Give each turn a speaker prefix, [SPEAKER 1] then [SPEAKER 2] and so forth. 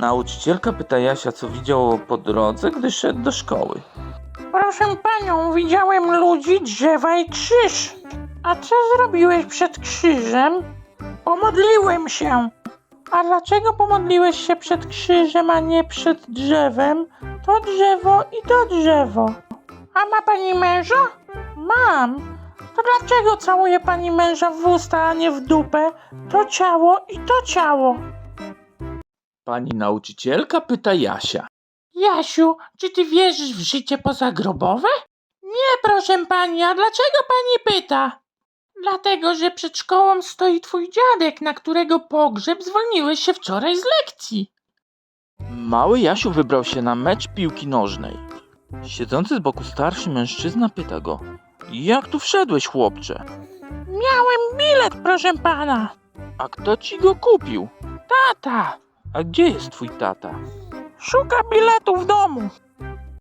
[SPEAKER 1] Nauczycielka pyta Jasia, co widział po drodze, gdy szedł do szkoły.
[SPEAKER 2] Proszę panią, widziałem ludzi, drzewa i krzyż. A co zrobiłeś przed krzyżem? Pomodliłem się. A dlaczego pomodliłeś się przed krzyżem, a nie przed drzewem? To drzewo i to drzewo. A ma pani męża? Mam. To dlaczego całuje pani męża w usta, a nie w dupę? To ciało i to ciało.
[SPEAKER 1] Pani nauczycielka pyta Jasia.
[SPEAKER 2] Jasiu, czy ty wierzysz w życie pozagrobowe? Nie, proszę pani, a dlaczego pani pyta? Dlatego, że przed szkołą stoi twój dziadek, na którego pogrzeb zwolniłeś się wczoraj z lekcji.
[SPEAKER 1] Mały Jasiu wybrał się na mecz piłki nożnej. Siedzący z boku starszy mężczyzna pyta go. Jak tu wszedłeś, chłopcze?
[SPEAKER 2] Miałem bilet, proszę pana.
[SPEAKER 1] A kto ci go kupił?
[SPEAKER 2] Tata,
[SPEAKER 1] A gdzie jest twój tata?
[SPEAKER 2] szuka biletu w domu.